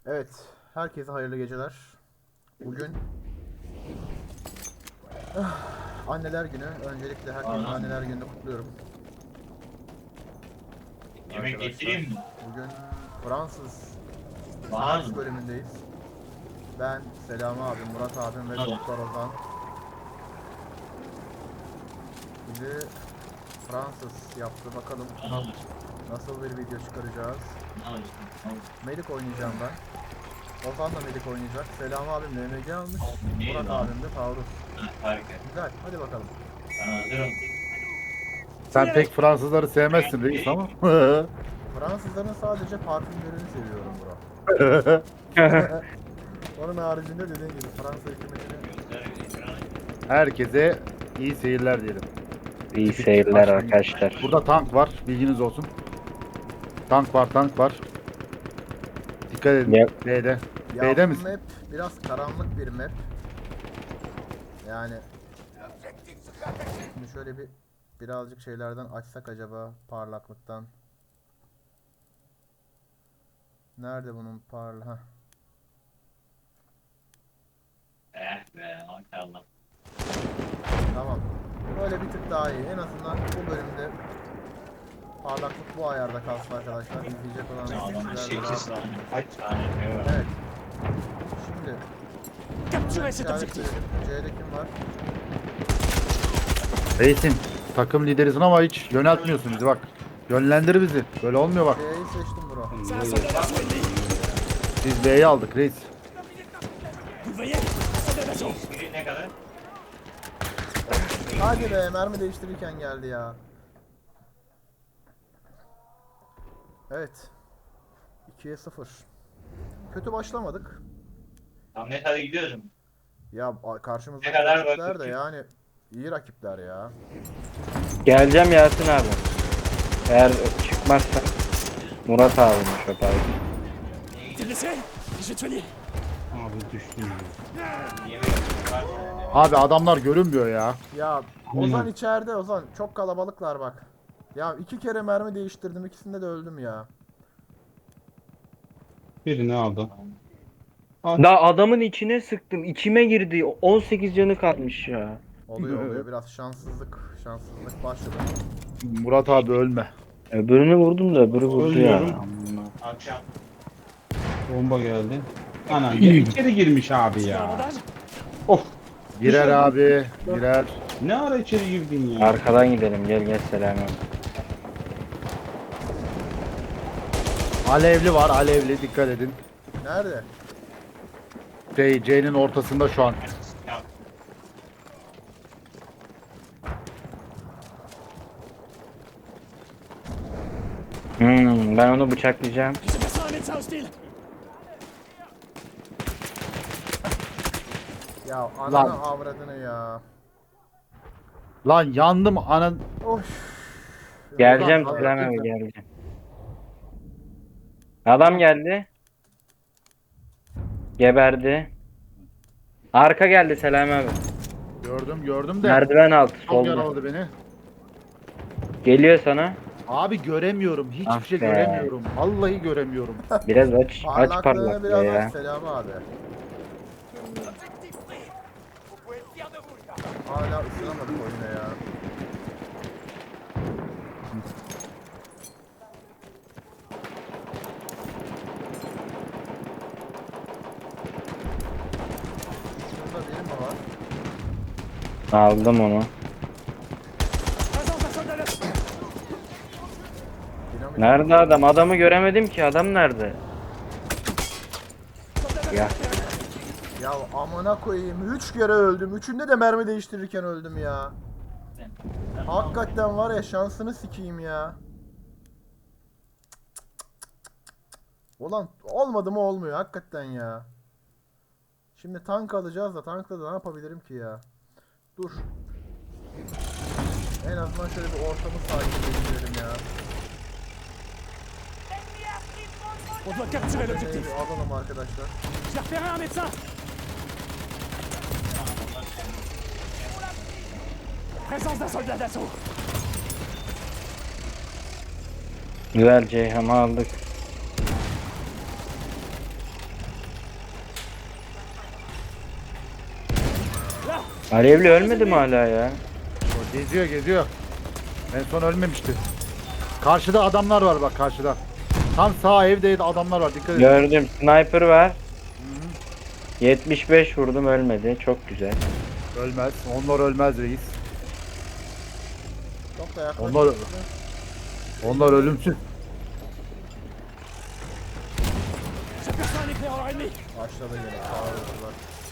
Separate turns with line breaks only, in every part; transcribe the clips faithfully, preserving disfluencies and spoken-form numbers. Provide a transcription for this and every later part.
Evet, herkese hayırlı geceler. Bugün ah, Anneler Günü. Öncelikle herkesin
Aha.
Anneler Günü'nü kutluyorum.
Yemek
Arkadaşlar,
getireyim mi?
bugün Fransız
Bana
Science
mı?
bölümündeyiz. Ben, Selami abim, Murat abim ve
Bana mı?
Doktor Ozan. Bizi Fransız yaptı. Bakalım
Bana mı?
nasıl bir video çıkaracağız.
Bana mı?
Melik oynayacağım ben. Ozan da Melik oynayacak. Selami abim M M G almış.
Ne
Murat
lan?
abim de Taurus.
Ha, harika.
Güzel, hadi bakalım.
Ben hazırım.
Sen pek Fransızları sevmezsin reis ama.
Fransızların sadece parfümlerini seviyorum bro. Onun haricinde dediğin gibi Fransa hükümetinin
Herkese iyi seyirler diyelim.
İyi
Tipik
seyirler
başlangıç.
arkadaşlar.
Burada tank var, bilginiz olsun. Tank var, tank var. Dikkat edin.
Ya-
B'de.
ya
B'de
bu
misin?
map biraz karanlık bir map. Yani şimdi şöyle bir birazcık şeylerden açsak acaba parlaklıktan. Nerede bunun parla? Heh.
Eh be maşallah.
Tamam. Böyle bir tık daha iyi. En azından bu bölümde parlaklık bu ayarda kalsın arkadaşlar. İzleyecek olan
Adamın
kişiler de
sekiz
rahat-
tane. Kaç tane şey var?
Evet. Şimdi
Capturez cet
işaret
objectif.
verelim. C'de kim var?
Reisim. Takım liderisin ama hiç yöneltmiyorsun bizi bak. Yönlendir bizi. Böyle olmuyor bak.
C'yi seçtim bro.
C'est un soldat d'assaut ennemi.
Biz B'yi aldık reis.
Vous le voyez? Soldat d'assaut.
Biri ne kadar?
Hadi be, mermi değiştirirken geldi ya. Evet. ikiye sıfır. Kötü başlamadık.
Tamam net hadi gidiyoruz.
Ya a- karşımızdaki
Ne kadar
rakipler de
vakit?
yani iyi rakipler ya.
Geleceğim Yasin abi. Eğer çıkmazsa Murat abiymiş o pardon.
T'es blessé? Je vais te soigner.
Yemek var.
Abi adamlar görünmüyor ya.
Ya Ozan içeride Ozan. Çok kalabalıklar bak. Ya iki kere mermi değiştirdim. İkisinde de öldüm ya.
Birini aldım.
Da adamın içine sıktım. İçime girdi. on sekiz canı kalmış ya.
Oluyor oluyor. Biraz şanssızlık. Şanssızlık başladı.
Murat abi ölme.
Öbürünü vurdum da öbürü vurdu ya.
Ölüyorum.
Akşam.
Bomba geldi. Ana ya içeri girmiş abi
Petit
ya.
bandage?
Of.
Girer abi. Girer.
Ne ara içeri girdin ya?
Arkadan gidelim gel gel selam.
Alevli var. Alevli. Dikkat edin.
Nerede?
Şey, C'nin ortasında şu an.
Ya
Hmm, ben onu bıçaklayacağım.
J'aperçois un médecin hostile.
Ya ananı
Lan.
avradını ya.
Lan yandım anan.
Of.
Geleceğim
Ulan,
selam
abi,
abi geleceğim. Adam geldi. Geberdi. Arka geldi Selam abi.
Gördüm gördüm de.
Merdiven altı
Çok
solda.
yaraladı beni.
Geliyor sana.
Abi göremiyorum. Hiçbir
Ah
şey
be.
göremiyorum. Vallahi göremiyorum.
Biraz aç aç
Parlaklığını
parlaklığı
biraz
ya.
aç Selami abi. Hala ısınamadık oyuna ya. Şurada biri mi var?
Aldım onu.
Présence d'un soldat d'assaut.
Dinamit.
Nerede adam? Adamı göremedim ki. Adam nerede?
Soldat
Ya.
d'assaut terrestre.
Ya amına koyayım. Üç kere öldüm. Üçünde de mermi değiştirirken öldüm ya. Hakikaten var ya, şansını sikeyim ya. Ulan olmadı mı olmuyor hakikaten ya. Şimdi tank alacağız da tankla da ne yapabilirim ki ya. Dur. En azından şöyle bir ortamı sakinleştirelim ya.
On doit capturer
Deneyi
l'objectif.
bir alalım arkadaşlar.
J'ai repéré un médecin. Présence d'un soldat d'assaut.
Güzel Ceyhan'ı aldık. Alevli ölmedi mi hala ya?
O geziyor geziyor. En son ölmemişti. Karşıda adamlar var bak karşıda. Tam sağ evde adamlar var dikkat edin.
Gördüm. Sniper var. yetmiş beş vurdum ölmedi. Çok güzel.
Ölmez. Onlar ölmez reis.
Çok da yaklaşık.
Onlar onlar ölümsüz.
J'aperçois un éclaireur ennemi.
Başladı yine. Sağırdılar.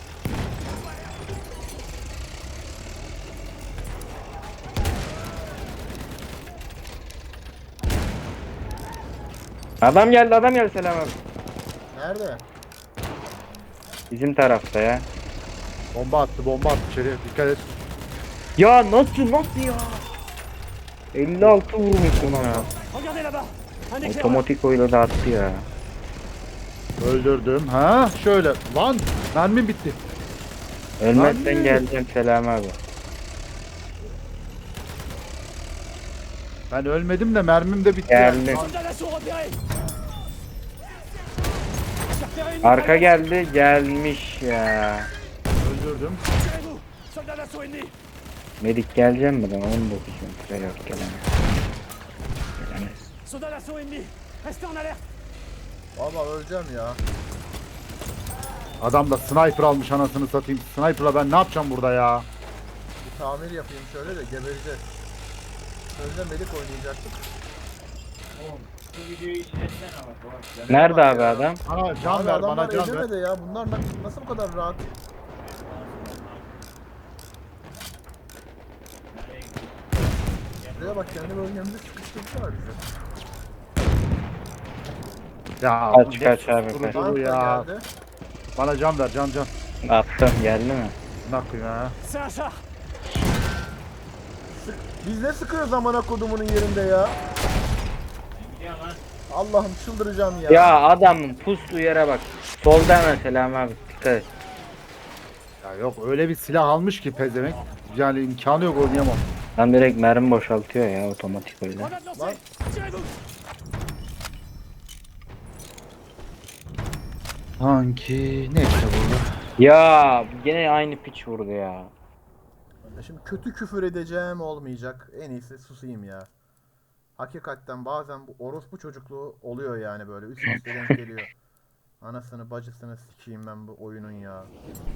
Adam geldi adam geldi selam abi.
Nerede?
Bizim tarafta ya.
Bomba attı bomba attı içeri dikkat et.
Ya nasıl nasıl ya? elli altı vurmuşum ya.
Regardez là-bas. Un éclaireur.
Otomatik oyla da attı ya.
Öldürdüm. Ha şöyle. Lan mermim bitti.
Ölmezsen
Lan.
geleceğim selam abi.
Ben ölmedim de mermim de bitti.
Geldi.
Soldat d'assaut repéré. J'ai repéré une
Arka
mitrailleuse.
geldi gelmiş ya.
Öldürdüm.
Tirez-vous. Soldat d'assaut ennemi.
Medik geleceğim mi lan? on dokuz metre yok gelemez. Gelemez.
Soldat d'assaut ennemi. Restez en alerte.
Valla öleceğim ya.
Adam da sniper almış anasını satayım. Sniper'la ben ne yapacağım burada ya?
Bir tamir yapayım şöyle de gebereceğiz. Önce Melik oynayacaktık.
Bu videoyu izletsene bak.
Nerede abi adam?
Bana can
Abi
ver
adamlar
bana can ver.
edemedi ya. Bunlar na- nasıl bu kadar rahat? Buraya bak kendi bölgemizde sıkıştırdılar bizi.
Ya
Kaç, kaç abi,
duru,
kaç.
duru
Tank da
ya.
geldi.
Bana can ver can can.
Attım geldi mi?
Ne yapayım ya?
C'est un char.
Biz ne sıkıyoruz amına kodumunun yerinde ya?
Gidiyor lan.
Allah'ım çıldıracağım ya.
Ya adamın pustu yere bak. Solda selam abi dikkat et.
Ya yok öyle bir silah almış ki pezevenk. Yani imkanı yok oynayamam.
Lan direkt mermi boşaltıyor ya otomatik öyle.
Grenade lancée. Tirez-vous.
Sanki ne işte burada?
Ya gene aynı piç vurdu ya.
Ya şimdi kötü küfür edeceğim olmayacak. En iyisi susayım ya. Hakikaten bazen bu orospu çocukluğu oluyor yani böyle. Üst üste denk geliyor. Anasını bacısını sikeyim ben bu oyunun ya.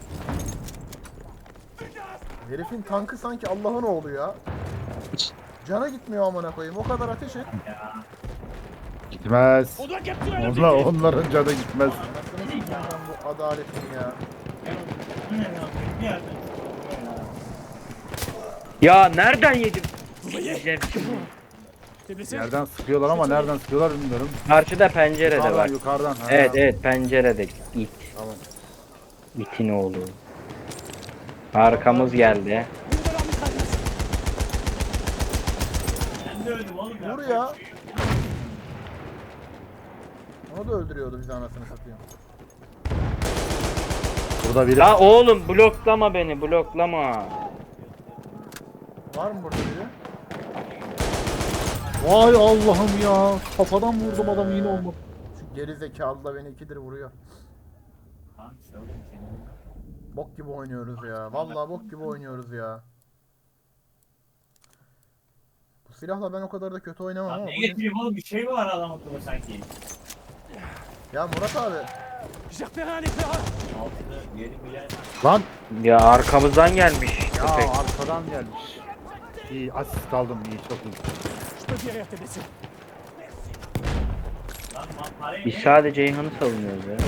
Herifin tankı sanki Allah'ın oğlu ya. Cana gitmiyor amına koyayım. O kadar ateş et.
Gitmez.
On doit capturer
Onlar,
l'objectif.
onların canı gitmez.
Anasını sikeyim ben bu adaletin ya.
Ya nereden yedim?
Vous voyez?
Yiyeceğim şimdi.
T'es blessé?
Yerden sıkıyorlar ama nereden sıkıyorlar bilmiyorum.
Karşıda pencerede
Yukarıdan
bak.
yukarıdan. Ha.
Evet evet pencerede it.
Tamam.
İtin oğlu. Arkamız geldi.
Une de leurs mitrailleuses.
Ben de öldüm oğlum ya.
Vur ya. Onu da öldürüyordu bizi anasını satayım.
Burada biri.
La oğlum bloklama beni bloklama.
Var mı burada biri?
Vay Allah'ım ya. Kafadan vurdum adamı yine olmadı.
Şu geri zekalı da beni ikidir vuruyor.
Lan işte oğlum senin.
Bok gibi oynuyoruz ya. Vallahi bok gibi oynuyoruz ya. Bu silahla ben o kadar da kötü oynamam
Lan
ama
ne
bugün...
getireyim oğlum bir şey mi var adam akıllı sanki?
Ya Murat abi.
J'ai repéré un éclaireur.
Altını yeri bilen.
Lan.
Ya arkamızdan gelmiş
Ya
köpek.
arkadan gelmiş. İyi asist aldım iyi çok iyi.
Je peux guérir tes blessés.
Lan lan parayı
Biz sadece Ceyhan'ı savunuyoruz ya.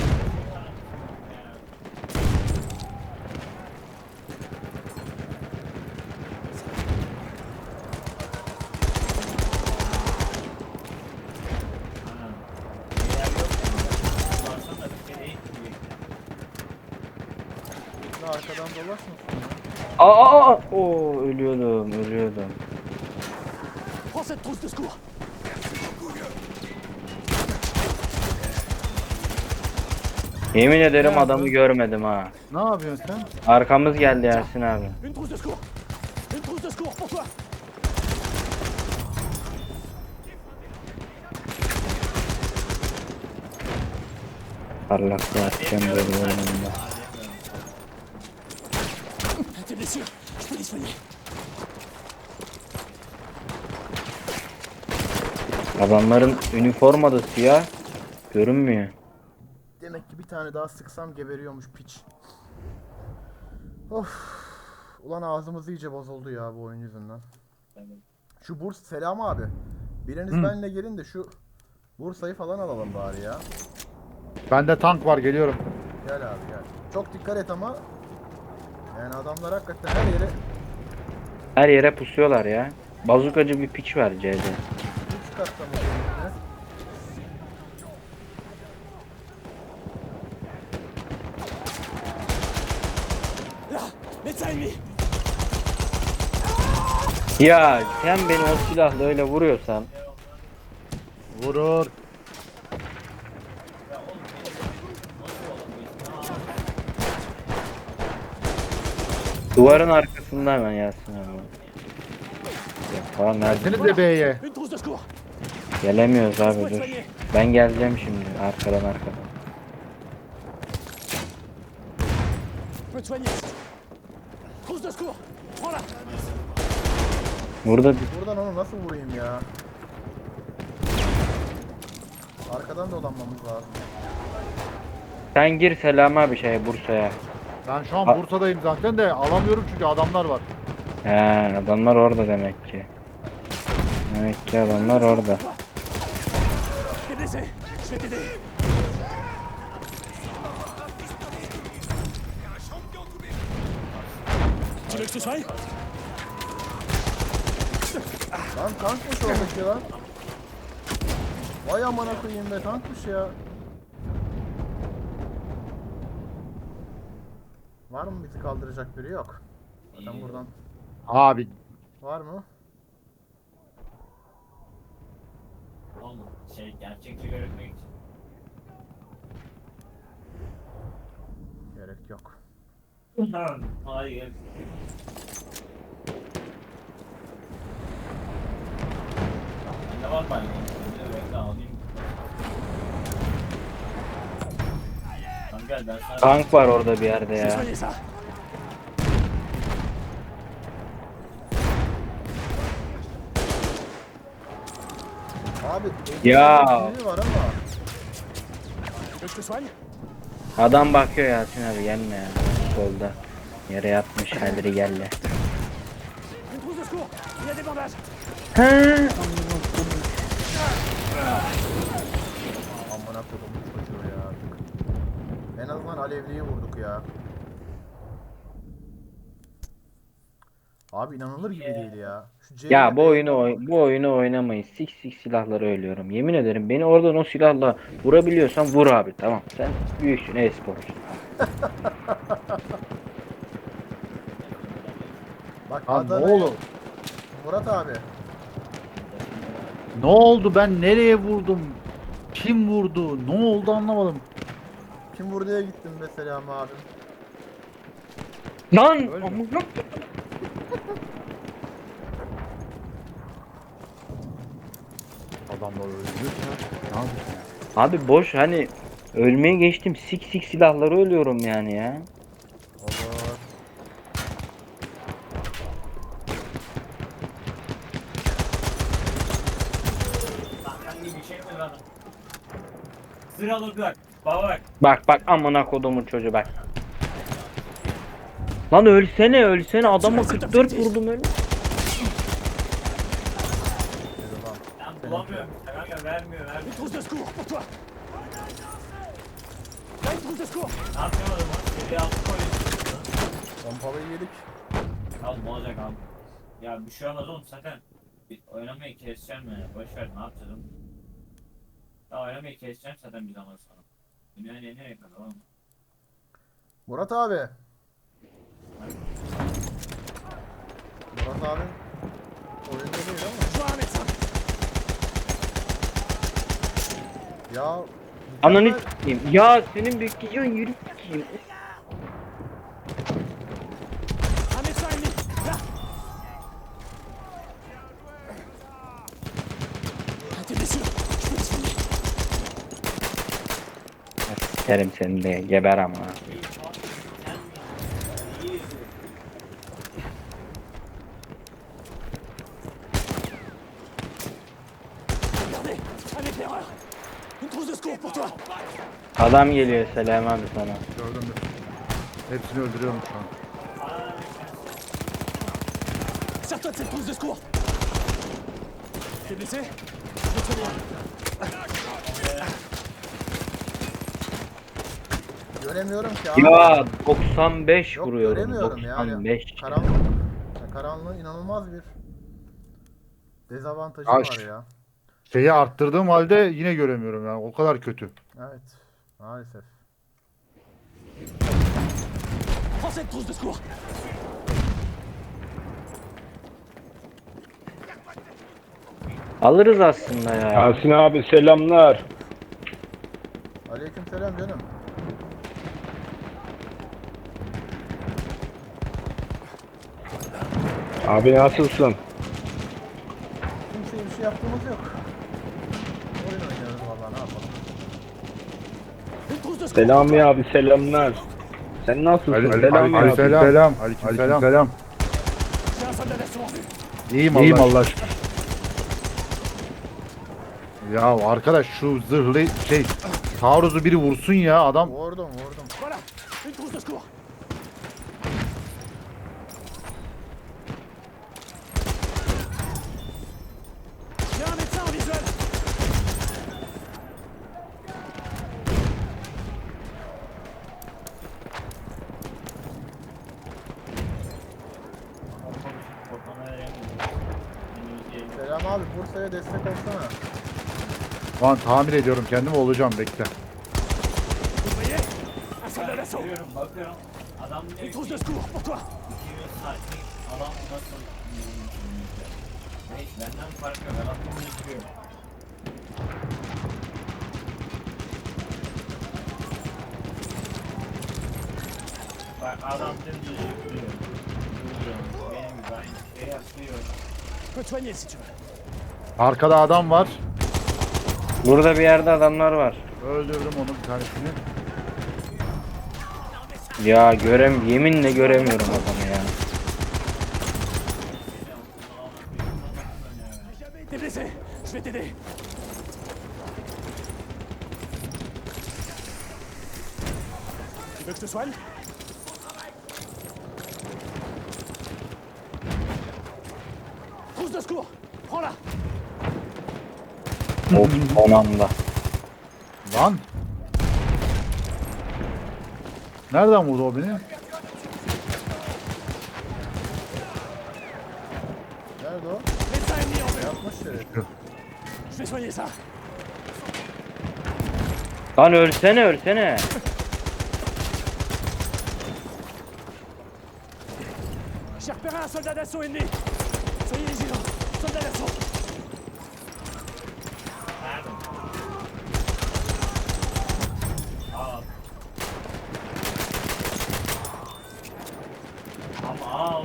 Ya arkadan dolaşmasın.
Aa, aa, aa. Oo ölüyordum ölüyordum.
Prends cette trousse de secours.
Yemin ederim adamı görmedim ha.
Ne yapıyorsun sen?
Arkamız geldi Ersin abi.
Une trousse de secours. Une trousse de secours pour toi.
Parlaklığı atacağım böyle oyununda.
T'es blessure. Je peux les soigner.
Adamların üniformada siyah görünmüyor.
Demek ki bir tane daha sıksam geberiyormuş piç. Of. Ulan ağzımız iyice bozuldu ya bu oyun yüzünden. Şu Burs selam abi. Biriniz
Hı.
benimle gelin de şu Bursa'yı falan alalım bari ya.
Bende tank var, geliyorum.
Gel abi gel. Çok dikkat et ama. Yani adamlar hakikaten her yere
Her yere pusuyorlar ya. Bazukacı bir piç var C'de.
üç katta mı oluyor?
Là, médecin ennemi.
Ya sen beni o silahla öyle vuruyorsan
Vurur.
duvarın arkasında hemen Yasin abi. Ya falan nerede?
Seni de B'ye.
Une trousse de secours.
Gelemiyoruz abi dur. Ben geleceğim şimdi arkadan arkadan.
Je peux te soigner. Trousse de secours. Prends-la.
Burada bir-
Buradan onu nasıl vurayım ya? Arkadan dolanmamız lazım.
sen gir Selam abi şeye Bursa'ya.
Ben şu an
Ha-
Bursa'dayım zaten de alamıyorum çünkü adamlar var.
He adamlar orada demek ki. Demek ki adamlar orada.
T'es blessé. Je vais t'aider. Tu veux que je te soigne?
Lan tankmış oradaki lan. Vay amına koyayım be tankmış ya. Var mı bizi kaldıracak biri yok. Zaten buradan
Abi
var mı?
Oğlum şey gerçekçi görünmek için.
Gerek yok.
Hayır. Ne var ben? Bekle alayım. Tamam gel ben sana...
Tank var orada bir yerde
Je vais
ya.
soigner ça.
Abi
Ya.
biri var ama.
Tu veux que je te soigne?
Adam bakıyor Yasin abi gelme ya. Solda. Yere yatmış halleri gelle.
Une trousse de secours. Il y a des bandages.
Amına kodum çocuğu ya artık. En azından alevliyi vurduk ya. Abi inanılır gibi değil ya. Şu C
Ya
ile
bu
B'ye
oyunu
bak.
oy- bu oyunu oynamayız. Sik sik silahları ölüyorum. Yemin ederim beni oradan o silahla vurabiliyorsan vur abi tamam. Sen büyüksün e-sporcusun.
Bak
lan ne
Adana-
oldu?
Murat abi.
Ne oldu, ben nereye vurdum? Kim vurdu? Ne oldu anlamadım.
Kim buraya gittin mesela abim?
Lan!
Ölme.
amına-
Adamlar öldü ya. Ne yapıyorsun?
Abi boş hani ölmeye geçtim sik sik silahları ölüyorum yani ya.
Olur.
Sen gibi bir şey mi lan? Sıralı bak. Baba bak.
Bak bak amına kodumun çocuğu bak. Lan ölsene ölsene adama kırk dört vurdum öyle.
Yürü lan.
Ben bulamıyorum. Kanka vermiyor
Une
vermiyor.
trousse de secours pour toi. Là, une trousse de secours.
Ne yapacağım adamı? Geriye altı koyuyorsun.
Pompalıyı yedik.
Al ne olacak abi? Ya bir şey olmaz oğlum zaten. Bir oynamayı keseceğim ya. Boş ver ne yapacağız oğlum? Ya oynamayı keseceğim zaten bir zaman sonra. Dünyanın en nereye kadar oğlum?
Murat abi. Murat abi oyunda değil ama.
Je vois un médecin.
Ya
Ananı
mükemmel-
s**eyim. Ya senin bekleyeceğin yürü s**eyim.
Un médecin ennemi. Là. Ah, tes blessures. Je peux les soigner.
Sikerim seni de geber ama. Adam geliyor Selam abi sana.
Gördüm mü? Hepsini öldürüyorum şu an.
Sers-toi de cette trousse de secours. T'es blessé? Je vais te soigner.
Göremiyorum ki abi.
Ya doksan beş
Yok
vuruyorum.
göremiyorum yani.
doksan beş.
Karanlık. Ya karanlığın inanılmaz bir dezavantajı
Aş.
var ya.
Şeyi arttırdığım halde yine göremiyorum yani. O kadar kötü.
Evet. Maalesef.
Prends cette trousse de secours.
Alırız aslında ya.
Yasin abi selamlar.
Aleykümselam canım.
Abi nasılsın?
Kimseye bir şey yaptığımız yok. Oyun oynuyoruz vallahi ne yapalım.
Une trousse de secours.
Selami abi selamlar. Sen nasılsın? Selami abi.
Aleykümselam. Aleykümselam.
J'ai un soldat d'assaut en vue.
İyiyim Allah, İyiyim Allah aşkına. Ya arkadaş şu zırhlı şey taarruzu biri vursun ya adam.
Vurdum vurdum.
Voilà, une trousse de secours. J'ai un médecin en visuel.
Korkmana veremiyorum. Henüz değil.
Selam abi Bursa'ya destek olsana.
Lan tamir ediyorum kendimi olacağım bekle.
Vous voyez? Un soldat d'assaut.
Bakıyorum bakıyorum. Adam diyor
Une
ki
trousse de secours pour toi.
iki yüz saatlik adam nasıl Neyse benden fark yok. Adam bunu yıkıyor. Bak adam dümdüz yıkıyor. Yıkıyor. Benim gibi aynı şey yapıyor.
Je peux te soigner si tu veux.
Arkada adam var.
Burada bir yerde adamlar var.
Öldürdüm onu bir tanesini.
Ya görem yeminle göremiyorum adamı ya.
T'es blessé. Je vais t'aider. Tu veux que je te soigne? Trousse de secours. Prends-la.
Of son anda.
Lan. Nereden vurdu o beni?
Nerede o?
Médecin ennemi en vue.
Yapmış şeref.
Je vais soigner ça.
Lan ölsene ölsene.
J'ai repéré un soldat d'assaut ennemi. Soyez vigilants. Soldat d'assaut.
Al. Ama al.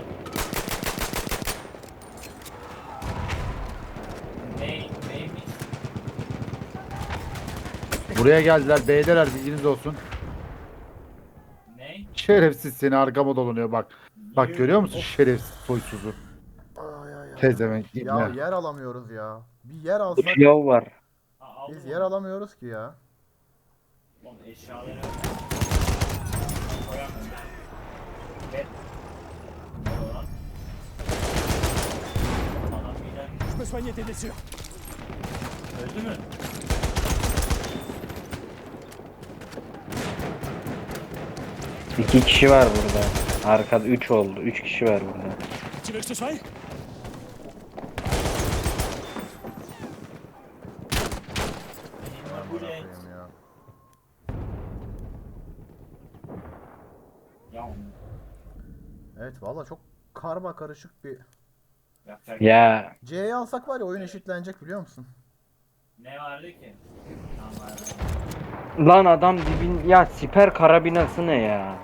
Ne, neymiş?
Buraya geldiler. B'deler bilginiz olsun.
Ne?
Şerefsiz seni arkama dolanıyor bak. Bak görüyor musun şerefsiz soysuzu.
Ay ay ay.
Tezemek
Ya
ibne.
yer alamıyoruz ya. Bir yer
Bu
alsak
pilav var.
Ha, aldın
biz
mı?
yer alamıyoruz ki ya.
Oğlum eşyaları koyamıyorum. Evet. Ne oldu lan? Adam birden
Je peux soigner tes blessures.
öldü mü?
İki kişi var burada. Arkada üç oldu. Üç kişi var burada.
Tu veux que je te soigne?
Benim bu
Amına
ne?
koyayım ya.
Ya
Evet valla çok karma karışık bir.
yapacak
Ya
C'yi alsak var ya oyun eşitlenecek biliyor musun?
ne vardı ki? Tamam vardı.
lan adam dibin ya siper karabinası ne ya?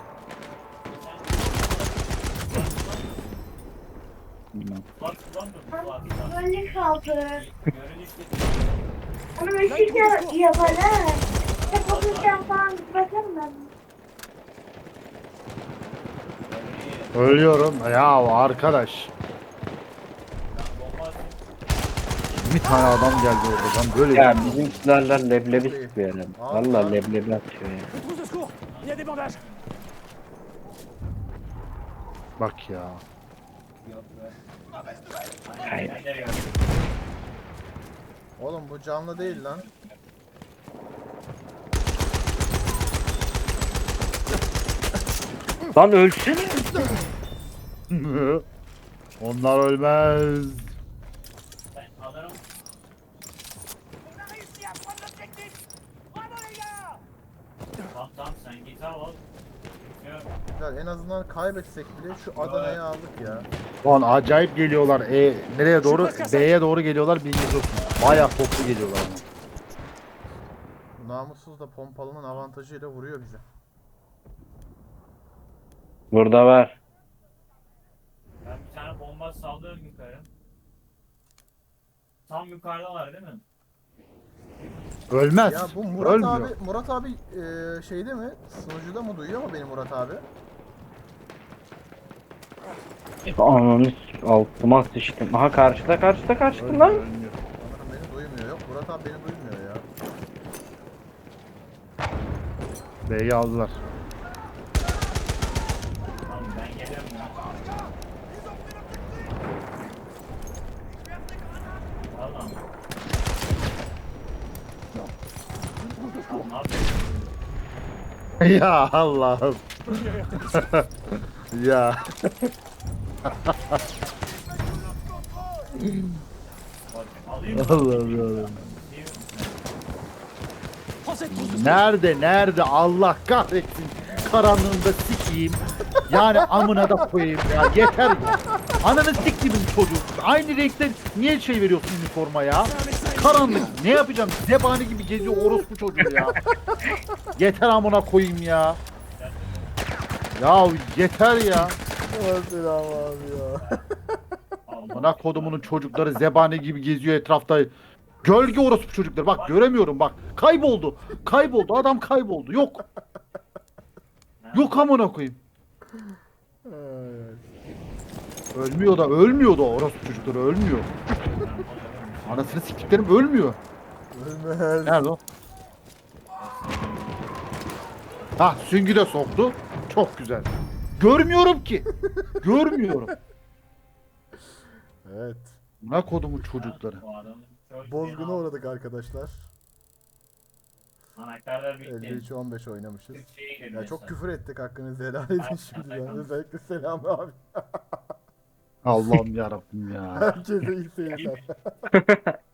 Bak kullanmıyor mu? Bak, bak.
Böyle kaldı.
Görünüşte
Ama ışık ya yapana. Hep oturacağım falan bakalım ben.
Ölüyorum. Ya arkadaş.
bomba atıyor.
yirmi tane adam geldi orada. Ben böyle
Ya bizim silahlar leblebi sıkıyor yani.
Al,
Valla
al.
leblebi atıyor ya.
Une trousse de secours. Il y a des bandages.
bak ya.
Yok be.
Hayır.
Aynen, yok.
Oğlum bu canlı değil lan.
Lan ölsene.
Onlar ölmez.
Ben alırım. Tamam tamam sen git al al. Yok.
Güzel, en azından kaybetsek bile şu Adana'yı aldık ya.
Lan acayip geliyorlar. E, nereye doğru? B'ye doğru geliyorlar bilginiz olsun. Bayağı toplu geliyorlar ama.
Namussuz da pompalının avantajıyla vuruyor bize.
Burada var.
Ben bir tane bomba sallıyorum yukarı. Tam yukarıdalar değil mi?
Ölmez.
Ya bu Murat
Ölmüyor.
abi, Murat abi eee, şeyde mi? Sunucuda mı duyuyor mu benim Murat abi?
Ananı s- altıma sıçtım. Aha karşıda karşıda karşıda
Ölmüyor,
lan.
ölmüyor.
Sanırım beni duymuyor. Yok Murat abi beni duymuyor ya.
B'yi aldılar.
Tamam ben geliyorum ya. Valla. Tamam ne yapıyorsun?
Ya Allah'ım. ya.
Bak, alayım mı?
Allah'ım ya.
Prends cette trousse de secours.
Nerede nerede Allah kahretsin. Karanlığında sikeyim. Yani amına da koyayım ya. Yeter ya. Ananı siktimin çocuğu. Aynı renkte niye şey veriyorsun üniforma ya? Karanlık. Ne yapacağım? Zebani gibi geziyor orospu çocuğu ya. Yeter amına koyayım ya. Ya yeter ya.
Selam abi ya.
Amına kodumunun çocukları zebani gibi geziyor etrafta. Gölge orospu çocukları. Bak göremiyorum bak. Kayboldu. Kayboldu. Adam kayboldu. Yok. Yok amına koyayım. Ölmüyor da ölmüyor da orospu çocukları ölmüyor. Anasını siktiklerim ölmüyor.
Ölmez.
Nerede o? Hah süngü de soktu. Çok güzel. Görmüyorum ki. Görmüyorum.
Evet.
Ne kodumun çocukları.
Bu adamın çok
Bozguna
fena-
uğradık arkadaşlar.
Anahtarlar bitti.
elli üç on beş oynamışız.
Türkçe'ye girdi
Ya çok
mesela.
küfür ettik hakkınızı helal edin şimdiden. Özellikle Selam abi.
Allah'ım yarabbim ya.
Herkese iyi seyirler.